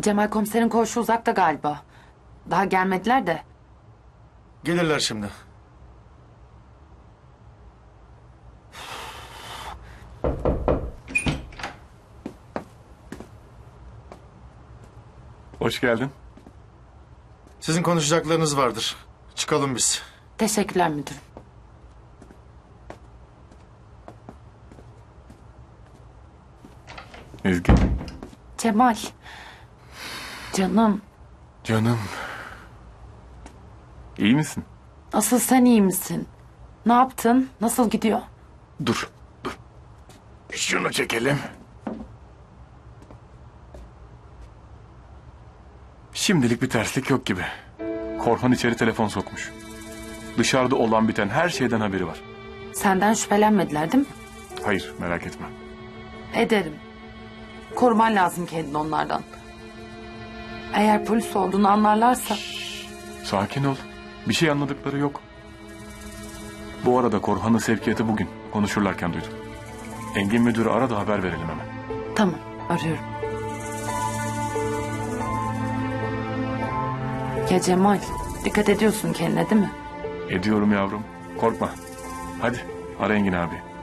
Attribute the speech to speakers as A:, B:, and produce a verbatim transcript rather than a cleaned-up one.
A: Cemal komiserin koğuşu uzakta galiba. Daha gelmediler de.
B: Gelirler şimdi.
C: Hoş geldin.
B: Sizin konuşacaklarınız vardır. Çıkalım biz.
A: Teşekkürler müdürüm.
C: Ezgi.
A: Cemal. Canım.
C: Canım. İyi misin?
A: Asıl sen iyi misin? Ne yaptın? Nasıl gidiyor?
C: Dur, dur. Şunu çekelim. Şimdilik bir terslik yok gibi. Korhan içeri telefon sokmuş. Dışarıda olan biten her şeyden haberi var.
A: Senden şüphelenmediler değil mi?
C: Hayır, merak etme.
A: Ederim. Koruman lazım kendini onlardan. Eğer polis olduğunu anlarlarsa...
C: Sakin ol. Bir şey anladıkları yok. Bu arada Korhan'ın sevkiyatı bugün. Konuşurlarken duydum. Engin müdürü ara da haber verelim hemen.
A: Tamam, arıyorum. Ya Cemal, dikkat ediyorsun kendine değil mi?
C: Ediyorum yavrum. Korkma. Hadi ara Engin abi.